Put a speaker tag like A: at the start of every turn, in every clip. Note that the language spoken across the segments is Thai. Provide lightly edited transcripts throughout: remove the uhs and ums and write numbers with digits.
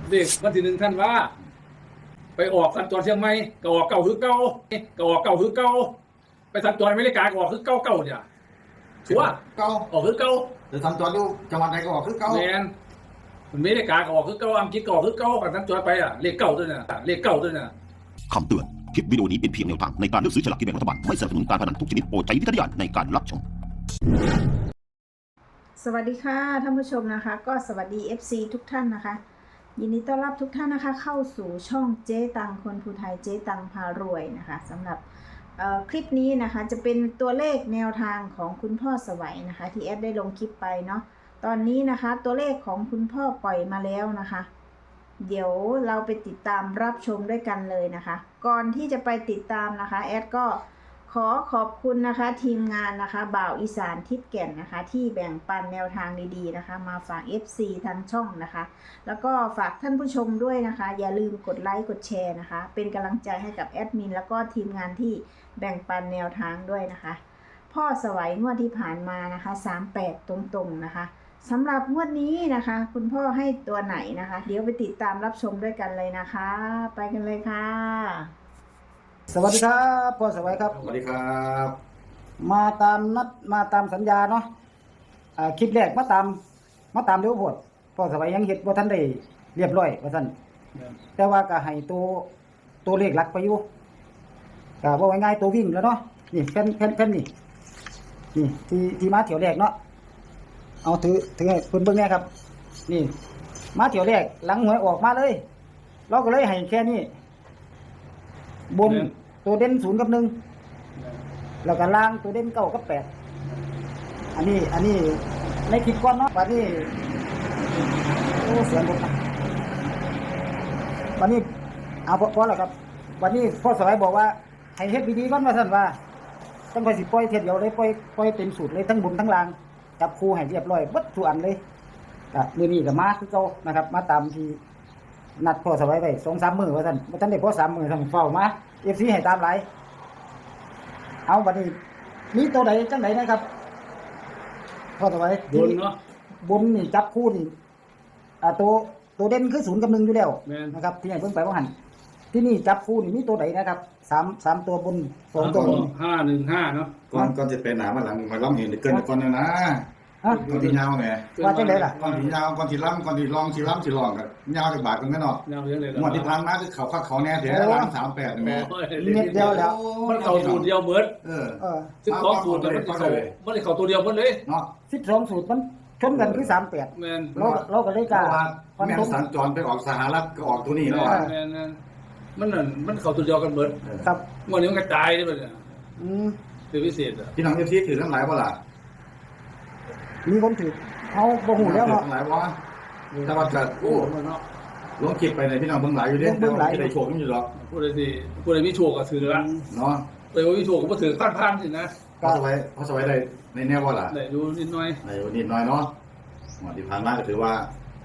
A: เลขวันที่1 ธันวาไปออกสัญจรเชียงใหม่ก็ออกเก่าคือเก่าก็ออกเก่าคือเก่าไปสัญจรอเมริกาก็ออกคือเก่าเนี่ยชัวร์
B: เก่า
A: ออกคือเก่า
B: หรือทำจอดอยู่จังหวัดไหนก็ออกคือเก่า
A: แมนอเมริกาก็ออกคือเก่าอังกฤษก็ออกคือเก่ากันสัญจรไปอ่ะเลขเก่าด้วยนะเลขเก่าด้วยนะ
C: คำเตือน คลิปวิดีโอนี้เป็นเพียงแนวทางในการเลือกซื้อฉลากกินแบ่งรัฐบาล ไม่สนับสนุนการพนันทุกชนิดโปรดใช้วิจารณญาณในการรับชม
D: สวัสดีค่ะท่านผู้ชมนะคะ ก็สวัสดี FC ทุกท่านนะคะ ยินดีต้อนรับทุกท่านนะคะ เข้าสู่ช่องเจ๊ตังคนภูไทยเจ๊ตังพารวยนะคะสำหรับคลิปนี้นะคะจะเป็นตัวเลขแนวทางของคุณพ่อสวัยนะคะที่แอดได้ลงคลิปไปเนาะตอนนี้นะคะตัวเลขของคุณพ่อปล่อยมาแล้วนะคะ เดี๋ยวเราไปติดตามรับชมด้วยกันเลยนะคะ ก่อนที่จะไปติดตามนะคะแอดก็ขอขอบคุณนะคะทีมงานนะคะบ่าวอีสานทิศแก่นนะคะที่แบ่งปันแนวทางดีๆนะคะมาฝาก FC ทางช่องนะคะแล้วก็ฝากท่านผู้ชมด้วยนะคะอย่าลืมกดไลค์กดแชร์นะคะเป็นกำลังใจให้กับแอดมินแล้วก็ทีมงานที่แบ่งปันแนวทางด้วยนะคะพ่อสวัยงวดที่ผ่านมานะคะ38ตรงๆนะคะสำหรับงวดนี้นะคะคุณพ่อให้ตัวไหนนะคะเดี๋ยวไปติดตามรับชมด้วยกันเลยนะคะไปกันเลยค่ะสวัสดีครับพ่อสวัยครับ
B: สวัสดีครับ
E: มาตามนัดมาตามสัญญาเนาะคลิปแรกมาตามเร็วโพดพ่อสวัยยังเฮ็ดบ่ทันได้เรียบร้อยว่าซั่นแต่ว่าก็ให้ตัวเลขหลักไปอยู่ก็บ่ง่ายๆตัววิ่งแล้วเนาะนี่แผ่นนี่ที่มาเที่ยวแรกเนาะเอาถือให้เพิ่นเบิ่งแน่ครับนี่มาเที่ยวแรกหลังหวยออกมาเลยเราก็เลยให้แค่นี้บนตัวเด่น0 กับ 1แล้วก็ล่างตัวเด่น9 กับ 8อันนี้ในคลิปก่อนเนาะวันนี้โอ้เสียงรถนะวันนี้เอาพอแล้วครับวันนี้พ่อสวัยบอกว่าให้เฮ็ดดีๆก่อนว่าซั่นว่าต้องไปสิปล่อยเทียเดียวเลยปล่อยเต็มสูตรเลยทั้งบนทั้งล่างจับคู่ให้เรียบร้อยเบิดทุกอันเลยก็มื้อนี้ก็มาคือเก่านะครับมาตามที่นัดพ่อสวัยไว้ 2-3 มื้อว่าซั่นบ่ทันได้พอ3 มื้อซั่นเฝ้ามา FC ให้ตามหลายเอาบัดนี้มีตัวใดจังไดนะครับพ่อสวัย
A: บนเนาะ
E: บนนี่จับคู่นี่ตัวเด่นคือ0 กับ 1อยู่แล้ว
A: แม่น
E: นะครับที่ให้เพิ่นไปว่าหั่นที่นี่จับคู่นี่มีตัวใดนะครับ3ตัวบน2ตัวบน
A: 515เนาะ
B: ก่อนจะไปหนามาหลังมาล้อมเห็นเกินก่อนนะ
E: ฮะ
B: ก่อนที่ยาวแหม
E: ว่าจังไดล่ะ
B: ก่อนที่ยาวก่อนที่ล้ำก่อนที่ลองสิล้ำสิลองกันยาวจากบาทกันแม่เนาะ
A: แนวเรื่องเลย
B: งวดที่ผ่านมาคือเขาคักเขาแน่แท้ล้าง38นี่แม่
E: เม็ดเดียวแล้ว
A: มันเข้าสูตรเดียวเหมือน
B: เออ
A: ซึ่งของสูตรมันได้เข้าตัวเดียวหมดเลย
B: เนาะ
E: 12สูตรมันชนกันคือ38
A: แมน
E: เราก็เลย
B: เพ
E: กล้า
B: ราะว่า
E: ฟัน
B: แม่
E: ธง
B: สัญจรไปออกสหรัฐก็ออกตัวนี้แล้ว
A: แมนมันเข้าตัวเดียวกันเหมือน
E: ครับ
A: งวดนี้มันกระจายได้ป่ะเนี่ย
E: อืม
A: คือพิเศษอ่ะ
B: พี่น้องFCถือทั้งหลายบ่ล่ะ
E: มีคนถือเขาบ่ฮู้แล้วเนาะ
B: ทั้งหลายบ่แต่ว่าจะโอ้
A: เนาะ
B: ลงคลิปไปในพี่น้องเบิ่งหลายอยู่เด้แต่ว่าจะได้โชคกันอยู่หรอก
A: พูดเลยสิพูดเลยมีโชคก็ถือละ
B: เนาะ
A: ไปว่ามีโชคก็ถือพันสินะ
B: พอสบายได้ในแน่บ่ล่ะ
A: ได้ดูนิดหน่อย
B: ในวันนี้น้อยเนาะหมดที่ผ่านมาก็ถือว่า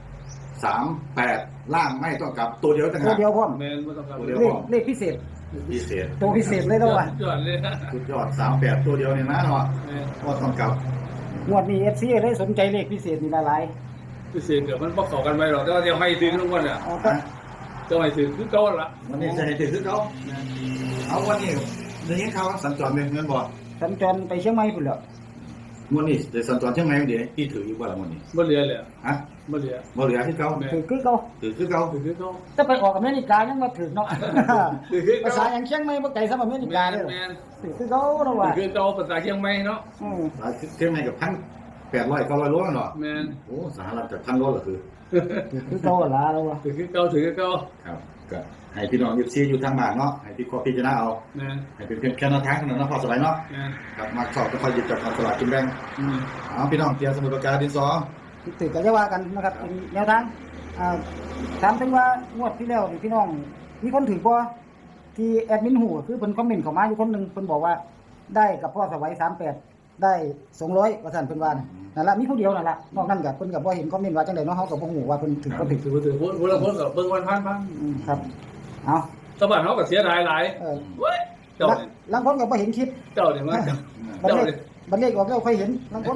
B: 38ล่างไม่ต้องกลับตัวเดียวต่าง
E: ตัว
B: หาก
E: เดียวพร้อม
A: แมนไม่ต้องการ
E: เลขพิเศษ
B: พิเศษ
E: ตัวพิเศษเลยแล้วว่ะ
A: ยอดเลยนะ
B: สุดยอด38ตัวเดียวเนี่ยนะเนาะ
A: แมน
B: ก็ต้องกลับ
E: งวดนี้ FC ได้สนใจเลขพิเศษนี่หลาย
A: พิเศษเดี๋ยวมันบอกต่อกันไปหรอกแต่ว่าเดี๋ยวให้ถึงทุกวันอ่ะ
E: ๆเอาก็
A: จะให้ถึงคือเก่าละ
B: วันนี้จะให้ถือเขาเอาวันนี้เดี๋ยวนี้เขาสัญจรเป็นเงินบ่
E: สัญจรไปเชียงใหม่พุ่นแล้ว
B: วันนี้เดี๋ยวสัญจรเชียงใหม่เดี๋ยวพี่ถืออยู่บ่ล่ะวันนี้
A: บ่เหลือเลย
B: ฮะ
A: บ่เหลือ
B: บ่เหลือที่เขา
E: ถือคือเก่า
B: ถือคือเขา
A: ถือคือเก่า
E: จะไปออกอเมริกายังมาถือเนาะ
A: ถือคือ
E: ภา
A: เก่า
E: ษาอย่างเชียงใหม่บ่ไกลสำหรับอเมริ
A: แม
E: กาน เด้อ
A: แมน
E: ถือคือเก่าเนาะ
A: ถื
E: ว่า
A: อคือเก่าภาษาเชียงใหม่เนาะ
E: อืม
B: เชียงใหม่กับ1,800 900โลเนาะ
A: แมน
B: โอ้สหรัฐกับ1,000 โลเหรอคือ
E: ถือคือเก่าล่ะแล้วว่า
A: ถือคือเก่าถือคือเก่า
B: ครับก็ให้พี่น้องFCอยู่ทางบ้านเนาะให้พี่ขอพิจารณาเอา
A: แมน
B: ให้เป็นเพียงแค่แนวทางเท่านั้นเนาะพอสบายเนาะ
A: แมน
B: ครับมาชอบก็ค่อยหยิบจับสลากกินแบ่งเอาพี่น้องเตรียมสมุดปากกาดินสอ
E: ถือก็จะว่ากันนะครับเป็นแนวทางถามถึงว่างวดที่แล้วนี่พี่น้องมีคนถือบ่ที่แอดมินหูคือเพิ่นคอมเมนต์เข้ามาอยู่คนหนึงเพิ่นบอกว่าได้กับพ่อสวัย38ได้200ว่าซั่นเพิ่นว่านั่นล่ะมีผู้เดียวนั่นล่ะนอกนั้นก็เพิ่นก็บ่เห็นคอมเมนต์ว่าจังได๋เนาะเฮาก็บ่ฮู้ว่าเพิ่นถือบ่ถือ
A: ถือพูดละคนกับเบิ่งวันพัน
E: ครับเอา
A: สะบัดเขาก็เสียดายหลาย เว้ยเจ้า
E: ลังคนก็บ่เห็นคลิป
A: เจ้าเนี่ยมา
E: บัด
A: เจ้า
E: เล
A: เนี่
E: ข
A: ย
E: บัดเลขออกแล้วค่อยเห็นลังคนนั่น
A: เ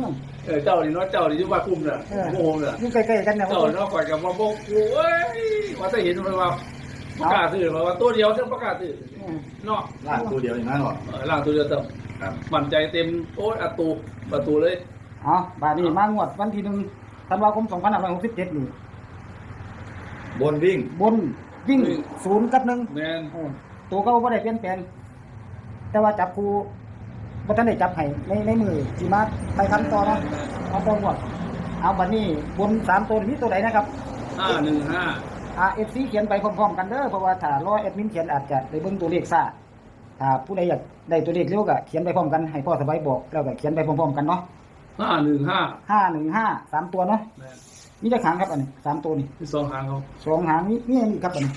A: เจ้านี่เนาะเจ้านี่ที่ว่าคุ้มน่ะโมโหน่ะ
E: อยู่ใกล้ๆกันเนี่ย
A: เจ้าเนาะคอยกับว่าโมโหเอ้ยว่าจะเห็นมันว่าประกาศซื้อมาว่าตัวเดียวเท่าประกาศซื้อเนาะ
B: ล่างตัวเดียวอย่างนั้นหรอ
A: ล่างตัวเดียวเต็ม
B: ครับ
A: มั่นใจเต็มโอ้ยประตูเลย
E: อ๋อบาดนี้มางวดวันที่1ธันวาคม2567นี่
B: บนวิ่ง
E: บนวิ่ง0กับ1
A: แมน
E: ตัวเขาบ่ได้เปลี่ยนแปลงแต่ว่าจับครูบ่ทันได้จับให้ในมือสิมาไปทำต่อเนาะเอาต่องวดเอาบัดนี้บน3ตัวนี้ตัวใดนะครับ
A: 515
E: FC เขียนไปพร้อมๆกันเด้อเพราะว่าถ้ารอแอดมินเขียนอาจจะได้เบิ่งตัวเลขซ่าถ้าผู้ใดอยากได้ตัวเลขเร็วก็เขียนไปพร้อมกันให้พ่อสบายบอกแล้วก็เขียนไปพร้อมๆกันเนาะ
A: 515
E: 515 3ตัวเนาะ
A: แมน
E: มีจักหางครับอันนี้3ตัวนี่
A: ที่สองหางเขา
E: 2หางมีอันนี้ครับอันนี้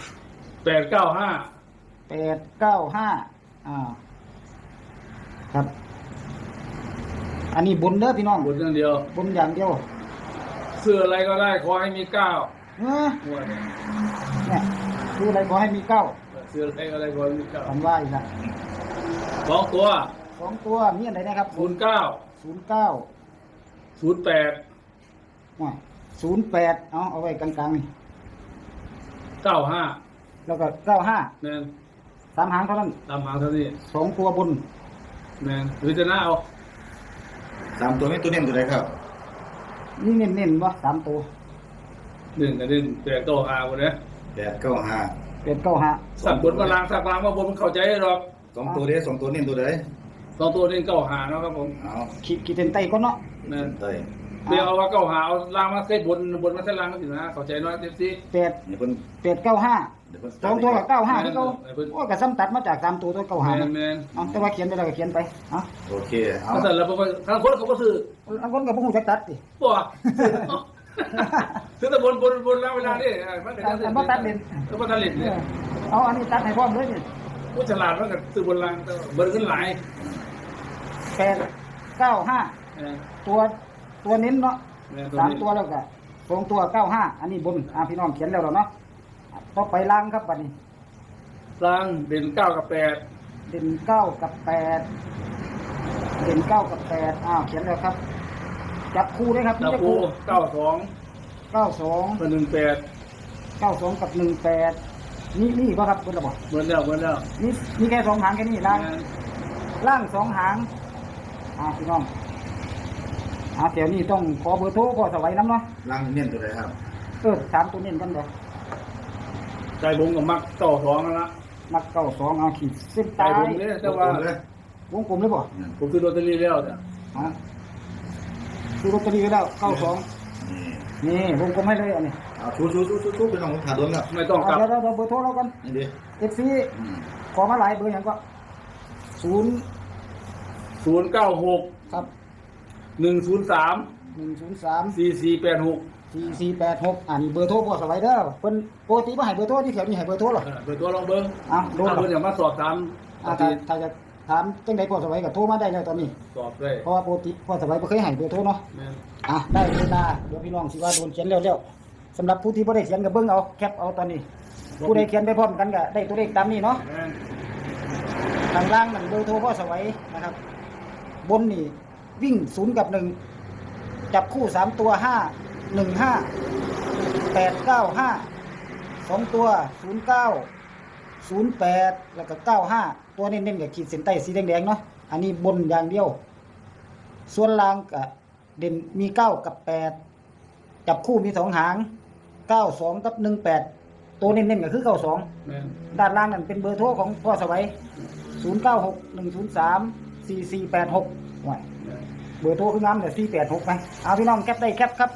A: 895
E: 895ครับ อันนี้บนเด้อพี่น้อง
A: บนอย่างเดียว
E: บนอย่างเดียว
A: เสื้ออะไรก็ได้ขอให้มี9
E: เออ
A: หัวเนี่ย
E: เนี่ยคืออะไรขอให้มีเก้า
A: เสื้ออะไรก็ขอให้มี
E: ผมว่าอีกละ
A: 9 2 ตัว
E: 2ตัวมีอันไหนนะครับ
A: 09
E: 09
A: 08
E: 08เอาไว้กลางๆนี่
A: 95
E: แล้วก็95
A: แมน
E: 3หางเท่านั้น
A: ตามหางเท่านี้
E: 2ตัวบน
A: แมนพิจารณาเอา
B: 3ตัวนี้ตัวเน้นตัวไหนครับ
E: นี่เน้นๆบ่3ตัว
A: 1กับ1 8 9 5คนเนี้ย
B: 895
E: 895
A: สั่งบนมาล้างสักล้างมาบนมันเข้าใจหรอก
B: 2ตัวเด้2ตัวเน้นตัวใด
A: 2 ตัวนี้9 5เนาะครับผม
B: เอา
E: ขีดเส้นใต้ก่อนเนาะ
A: แมน
B: เต้ย
A: เดี๋ยวเอาว่า9 5เอาล้างมาใส่บนมาใส่ล้างก็สินะเข้าใจเนาะเต็มที่
E: 8
B: นี่เพิ่น
E: 895
B: เดี๋ยวเพิ่น
E: 2ตัวกับ95ที่เขาโอ้ก็ซ้ำตัดมาจาก3ตัวตัว
A: แม
E: 95
A: น
E: นะ
A: แมน
E: เอาแต่ว่าเขียนไปแล้วก็เขียนไปเอา
B: โอเคเอา
A: ถ้าแต่ละทางคนเขาก็ซื้อ
E: อันคนก็บ่ฮู้จักตัดติ
A: ตัวซื้อแต่บนแล้วเวลานี่มันเป็นแล้วก็ตัดเล่นเนี่ย
E: เอาอันนี้ตัดให้พร้อมเลยนี่
A: ผู้ฉลาดมันก็ซื้อบนล่างเบิร์ขึ้นหลาย
E: 895ตัวเน้นเนาะ 3ตัวแล้วก็2ตัว95อันนี้บนพี่น้องเขียนแล้วเนาะต่อไปล่างครับบัดนี้
A: ล่างเด่น9 กับ 8
E: เด่น9กับ8เด่น9กับ8เขียนแล้วครับจับคู่ด้วยครับ
A: ตะ
E: จับ
A: ปู
E: คู่
A: 92
E: 92
A: เป็น
E: 92กับ18นี่บ่ครับเพิ่นละบ่
A: เหมือนแล้ว
E: มีแค่2หางแค่นี้ล่าง2หางพี่น้องเดี๋ยวนี้ต้องขอเบอร์โทรพ่อสวัยนำเนาะ
B: ล่างเน้นตัวใดครับ
E: ถามตัวเน้นกันเด้อ
A: ใจบงกับมัก92นั่นละ
E: มัก92ขีดเส้น
A: ใจ
E: ใต้
A: บงเนี่ยแต่ว่า
B: เลย
E: วงกลมเลยบ่
A: ผมซื้อลอตเตอรี่แล้วจ้ะ
E: ซื้อลอตเตอรี่ไว้แล้ว92
B: นี่
E: นี่วงกลมให้เลยอันนี้
B: เอาชูเป็นของขาดโดนแล้ว
A: ไม่ต้องกลับ
E: เดี๋ยวเบอร์โทรเรากัน
B: นี่ดิ
E: FC ขอมาหลายเบอร์อย่างก็
A: 096
E: ครับ
A: 103
E: 103
A: 4486
E: 4486อันนี้เบอร์โทรพ่อสวัยเด้อเพิ่นปกติบ่ให้เบอร์โทรที่แถวนี้ให้เบอร์โทรหรอ
A: เปิดตัวลองเบิ้ง
E: โดน
A: ถ้าเพิ่นอยากมาสอบถาม
E: ถ้าจะถามจังได๋พ่อสวัยก็โทรมาได้เลยตอนนี้
A: สอบได้
E: เพราะว่าปกติพ่อสวัยบ่เคยให้เบอร์โทรเนาะ
A: แม่น
E: ได้เวลาเดี๋ยวพี่น้องสิว่าโดนเขียนเร็วๆสำหรับผู้ที่บ่ได้เขียนก็เบิ่งเอาแคปเอาตอนนี้ ผู้ใดเขียนไปพร้อมกันก็ได้ตัวเลขตามนี้เนาะ
A: แม่น
E: ทางล่างนั่นเบอร์โทรพ่อสวัยนะครับ บนนี่วิ่ง0กับ1จับคู่3ตัว5 1 5 8 9 5 2ตัว09 08แล้วก็95ตัวเน้นๆกับขีดเส้นใต้สีแดงๆเนาะอันนี้บนอย่างเดียว ส่วนล่างก็เด่นมี9กับ8จับคู่มี2หาง92กับ18ตัวเน้นๆก็คือ92
A: แม่น
E: ด้านล่างนั่นเป็นเบอร์โทรของพ่อสวัย0961034486ว่าเบอร์โทรคืองามแต่486ไปเอาพี่น้องแคปได้แคปครับ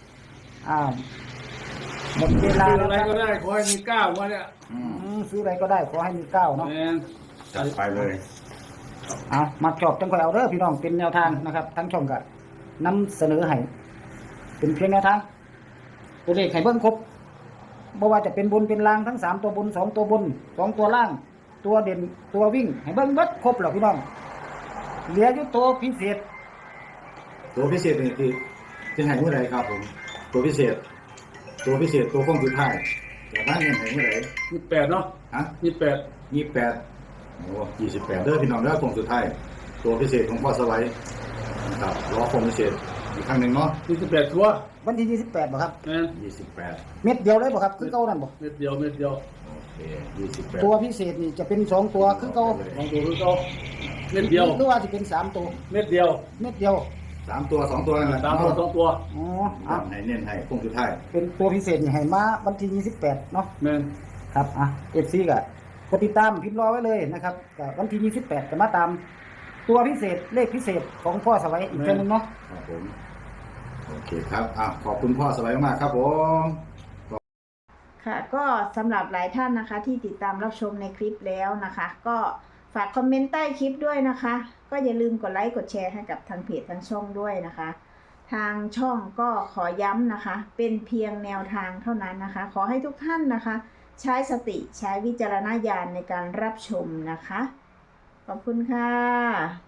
E: หมดเวลา
A: ซื้อ
E: แล้ว
A: อะไร
E: ครับ
A: ก็ได้ขอให้มี9มาเนี่ย
E: ซื้ออะไรก็ได้ขอให้มี9เนาะ
A: แม่น
B: จัดไปเลย
E: มาจอบจังค่อยเอาเด้อพี่น้องเป็นแนวทางนะครับทั้งช่องก็นำเสนอให้เป็นเพียงแนวทางตัวเลขให้เบิ่งครบบ่ว่าจะเป็นบนเป็นล่างทั้ง3ตัวบน2ตัวบน2ตัวล่างตัวเด่นตัววิ่งให้เบิ่งเบิดครบแล้วพี่น้องเหลืออยู่ตัวพิเศษ
B: ตัวพิเศษนี่คือจะให้เมื่อไรครับผมตัวพิเศษตัวข้องสุดท้ายแต่บ้านเนี่ยให้เมื่อไร
A: 28เนาะ
B: ฮะ
A: 28
B: 28โอ้28เด้อพี่น้องเด้อข้องสุดท้ายตัวพิเศษของพ่อสวัยนะครับรอข้องพิเศษอีกครั้งหนึ่งเนาะ
A: 28ชัวร์
E: วันที่28บ่ครับ
A: แม่น
B: 28
E: เม็ดเดียวเลยบ่ครับคือเก่านั่นบ่
A: เม็ดเดียว
B: โอเค28
E: ตัวพิเศษนี่จะเป็น2ตัวคือเก่า
A: ลองดูคือเก่าเม็ดเดียว
E: หรือว่าสิเป็น3ตัว
A: เม็ดเดียว
E: เม็ดเดียว
B: 3 ตัว 2 ตัวนั่นแหละ
A: 3ตัว2ตัว
E: อ๋ออ่ะ
B: ให้เน้นให้คงสุดท้าย
E: เป็นตัวพิเศษนี่ให้มาวันที่28เนาะ
A: แม่น
E: ครับอ่ะ FC ก็กดติดตามพิมพ์รอไว้เลยนะครับก็วันที่28จะมาตามตัวพิเศษเลขพิเศษของพ่อสวัยอีกเท่านึงเนาะ
B: ครับผมโอเคครับขอบคุณพ่อสบายมากครับผม
D: ค่ะก็สำหรับหลายท่านนะคะที่ติดตามรับชมในคลิปแล้วนะคะ ก็ฝากคอมเมนต์ใต้คลิปด้วยนะคะ ก็อย่าลืมกดไลค์กดแชร์ให้กับทางเพจทางช่องด้วยนะคะ ทางช่องก็ขอย้ำนะคะ เป็นเพียงแนวทางเท่านั้นนะคะ ขอให้ทุกท่านนะคะ ใช้สติใช้วิจารณญาณในการรับชมนะคะ ขอบคุณค่ะ